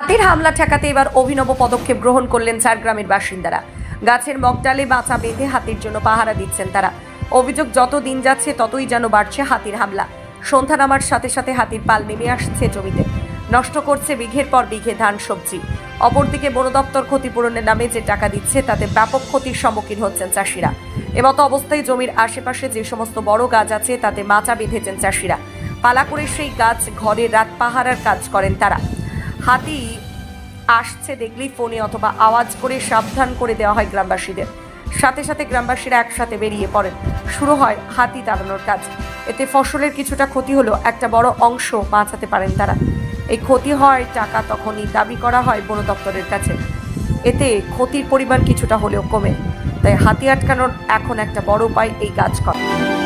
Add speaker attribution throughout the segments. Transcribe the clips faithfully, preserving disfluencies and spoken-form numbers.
Speaker 1: হাতির হামলা ঠেকাতে এবার অভিনব পদক্ষেপ গ্রহণ করলেন ঝাড়গ্রামের বাসিন্দারা। গাছের মগডালে বাঁচা বেঁধে হাতির জন্য পাহারা দিচ্ছেন তারা। অভিযোগ, যত দিন যাচ্ছে ততই যেন বাড়ছে হাতির হামলা। সন্ধ্যা নামার সাথে সাথে হাতির পাল নেমে আসছে জমিতে, নষ্ট করছে বিঘের পর বিঘে ধান সবজি। অপরদিকে বন দপ্তর ক্ষতিপূরণের নামে যে টাকা দিচ্ছে তাতে ব্যাপক ক্ষতির সম্মুখীন হচ্ছেন চাষিরা। এমতো অবস্থায় জমির আশেপাশে যে সমস্ত বড় গাছ আছে তাতে মাচা বেঁধেছেন চাষিরা। পালা করে সেই গাছ ঘরে রাত পাহারার কাজ করেন তারা। হাতি আসছে দেখলেই ফোনে অথবা আওয়াজ করে সাবধান করে দেওয়া হয় গ্রামবাসীদের। সাথে সাথে গ্রামবাসীরা একসাথে বেরিয়ে পড়েন। শুরু হয় হাতি তাড়ানোর কাজ। এতে ফসলের কিছুটা ক্ষতি হলেও একটা বড় অংশ বাঁচাতে পারেন তারা। এই ক্ষতি হয় টাকা তখনই দাবি করা হয় বন দপ্তরের কাছে। এতে ক্ষতির পরিমাণ কিছুটা হলেও কমে। তাই হাতি আটকানোর এখন একটা বড় উপায় এই কাজ করা।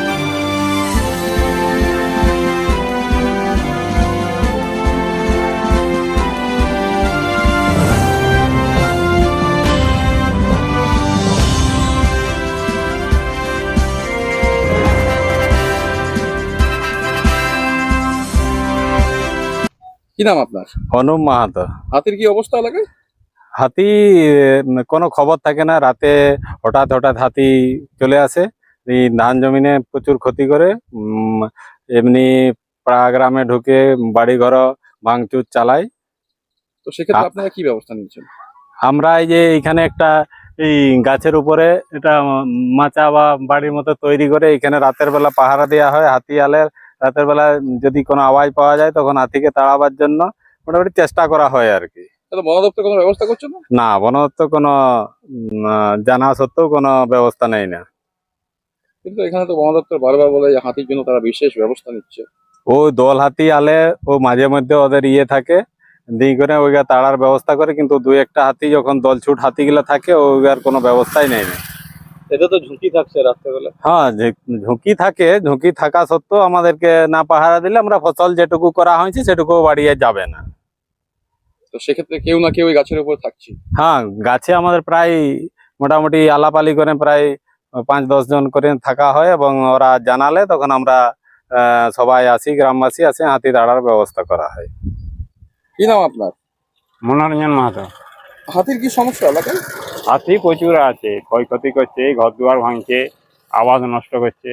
Speaker 2: কি নাম আপনার?
Speaker 3: অনুপ মাহাতো।
Speaker 2: হাতির কি অবস্থা এলাকায়?
Speaker 3: হাতি কোনো খবর থাকে না, রাতে হঠাৎ হঠাৎ হাতি চলে আসে, এই ধান জমিনে প্রচুর ক্ষতি করে। উম, এমনি পাড়া গ্রামে ঢুকে বাড়ি ঘর ভাঙচুর চালায়।
Speaker 2: তো সেক্ষেত্রে আপনারা কি ব্যবস্থা নিচ্ছেন?
Speaker 3: আমরা এই যে এখানে একটা এই গাছের উপরে এটা মাচা বা বাড়ির মতো তৈরি করে এখানে রাতের বেলা পাহারা দেওয়া হয়। হাতি আলে রাতের বেলা যদি কোনো আওয়াজ পাওয়া যায় তখন হাতিকে তাড়াবার জন্য মোটামুটি চেষ্টা করা হয় আর কি।
Speaker 2: বন দপ্তর কোনো ব্যবস্থা করছে না?
Speaker 3: না, বন দপ্তর কোনো জানা সত্ত্বেও কোনো ব্যবস্থা নেই না।
Speaker 2: কিন্তু এখানে তো বন দপ্তর বারবার বলে যে হাতির জন্য তারা বিশেষ ব্যবস্থা নিচ্ছে।
Speaker 3: ও দল হাতি আলে ও মাঝে মধ্যে ওদের ইয়ে থাকে দিয়ে করে ওইগা তাড়ার ব্যবস্থা করে, কিন্তু দুই একটা হাতি যখন দল ছুট হাতিগুলা থাকে ওইগার কোনো ব্যবস্থাই নেই না।
Speaker 2: এতে তো ঝুঁকি থাকছে রাত্রেবেলা।
Speaker 3: হ্যাঁ, ঝুঁকি থাকে। ঝুঁকি থাকা সত্ত্বেও আমাদেরকে না পাহারা দিলে আমরা ফসল যেটুকু করা হয়েছে সেটুকু বাড়িয়ে যাবে না।
Speaker 2: তো সেক্ষেত্রে কেউ না কেউ ওই গাছের উপর থাকছে।
Speaker 3: হ্যাঁ, গাছে আমাদের প্রায় মোটামুটি আলাপালি করে প্রায় পাঁচ দশ জন করে থাকা হয় এবং ওরা জানালে তখন আমরা আহ সবাই আসি, গ্রামবাসী আসে, হাতি তাড়ার ব্যবস্থা করা হয়।
Speaker 2: কি নাম আপনার?
Speaker 4: মনোরঞ্জন মাহাতো।
Speaker 2: হাতির কি সমস্যা এলাকায়?
Speaker 4: হাতি প্রচুর আছে, ক্ষয়ক্ষতি করছে, ঘর দুয়ার ভাঙছে, আবাদ নষ্ট করছে।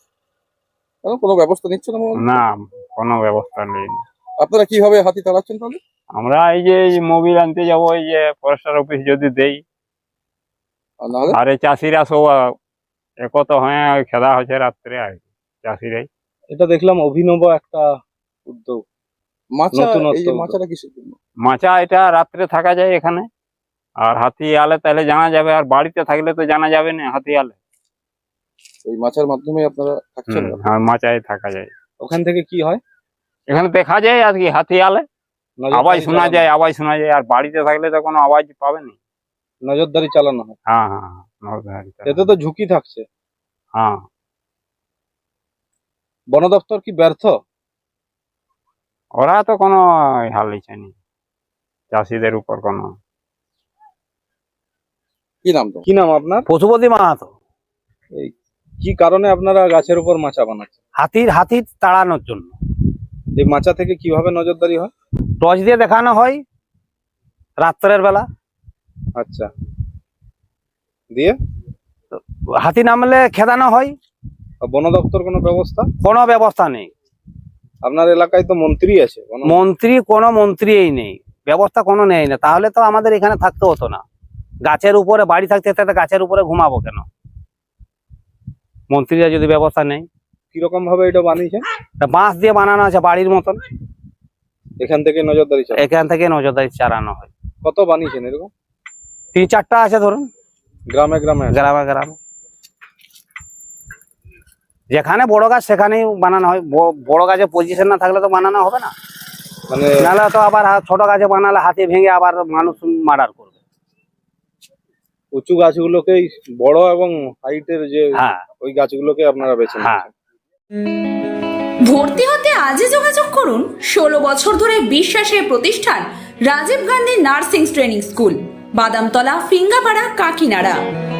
Speaker 2: কেন কোনো ব্যবস্থা নিচ্ছে না?
Speaker 4: না, কোনো ব্যবস্থা নেই।
Speaker 2: আপনারা কিভাবে হাতি তাড়াচ্ছেন তাহলে?
Speaker 4: আমরা এই যে মোবিল আনতে যাবো, এই যে ফরেস্টার অফিস যদি দেই,
Speaker 2: আর নাহলে
Speaker 4: আর এই চাষিরা সব একত হয়ে খেলা হচ্ছে রাত্রে আর কি, চাষিরাই।
Speaker 5: এটা দেখলাম অভিনব একটা উদ্যোগ।
Speaker 2: মাচা,
Speaker 5: নতুনত্ব
Speaker 2: এই যে
Speaker 5: উদ্যোগ।
Speaker 2: মাচাটা কিসের জন্য?
Speaker 4: মাচা এটা রাত্রে থাকা যায় এখানে, আর হাতি আলে তাহলে জানা যাবে, আর বাড়িতে থাকলে তো জানা যাবে না হাতি আলে।
Speaker 2: ওই মাচার মাধ্যমে আপনারা থাকছেন?
Speaker 4: হুম, হ্যাঁ, মাচায় থাকা যায়।
Speaker 5: ওখান থেকে কি হয়?
Speaker 4: এখানে দেখা যায় আর কি হাতি আলে
Speaker 5: নজরদারি
Speaker 4: আওয়াজ শোনা
Speaker 5: চালানো-
Speaker 4: যায়, আওয়াজ শোনা যায়। আর বাড়িতে থাকলে তো কোনো আওয়াজ পাবে না।
Speaker 5: নজরদারি চালানো হয়।
Speaker 4: হ্যাঁ হ্যাঁ হ্যাঁ, নজরদারি চালানো।
Speaker 5: এতে তো ঝুঁকি থাকছে।
Speaker 4: হ্যাঁ,
Speaker 5: বন দপ্তর কি ব্যর্থ?
Speaker 4: ওরা তো কোনো হাল নিচ্ছে নি চাষিদের উপর কোনো।
Speaker 2: কি নাম তো?
Speaker 5: কি নাম আপনার?
Speaker 6: পশুপতি মাহাতো।
Speaker 5: কি কারণে আপনারা গাছের উপর মাচা বানাচ্ছেন?
Speaker 6: হাতির হাতির তাড়ানোর জন্য।
Speaker 5: এই মাচা থেকে কিভাবে নজরদারি হয়?
Speaker 6: টর্চ দিয়ে দেখানো হয় রাত্রের বেলা।
Speaker 5: আচ্ছা, দিয়ে
Speaker 6: হাতি নামলে খেদানো হয়।
Speaker 5: আর বন দপ্তর কোনো ব্যবস্থা?
Speaker 6: কোনো ব্যবস্থা নেই।
Speaker 5: আপনার এলাকায় তো মন্ত্রী আছে। বন-
Speaker 6: মন্ত্রী কোনো মন্ত্রীই নেই, ব্যবস্থা কোনো নেই না। তাহলে তো আমাদের এখানে থাকতে হতো না। গাছের উপরে বাড়ি থাকতে থাকতে গাছের উপরে ঘুমাবো কেন? মন্ত্রীরা যদি ব্যবস্থা নেই।
Speaker 5: কিরকম ভাবে এটা বানিয়েছে?
Speaker 6: তা বাঁশ দিয়ে বানানো আছে বাড়ির মতন,
Speaker 5: এখান থেকে নজরদারি চালানো।
Speaker 6: এখান থেকে নজরদারি চালানো হয়।
Speaker 5: কত বানিয়েছেন এরকম?
Speaker 6: তিন চারটা আছে ধরুন,
Speaker 5: গ্রামে গ্রামে আছে?
Speaker 6: গ্রামে গ্রামে যেখানে বড় গাছ সেখানেই বানানো হয়। ব- বড় গাছে পজিশন না থাকলে তো বানানো হবে না।
Speaker 5: মানে
Speaker 6: নাহলে তো আবার হা- ছোট গাছে বানালে হাতি ভেঙে আবার মানুষ মার্ডার করবে।
Speaker 5: উঁচু গাছগুলোকেই বড় এবং হাইটের যে
Speaker 6: হ্যাঁ
Speaker 5: ওই গাছগুলোকে আপনারা বেছে
Speaker 6: হ্যাঁ।
Speaker 5: নিচ্ছেন।
Speaker 7: ভর্তি হতে আজই যোগাযোগ করুন ষোলো বছর ধরে বিশ্বাসের প্রতিষ্ঠান Rajiv Gandhi nursing training school, Badamtala, Phingapara, কাকিনাড়া।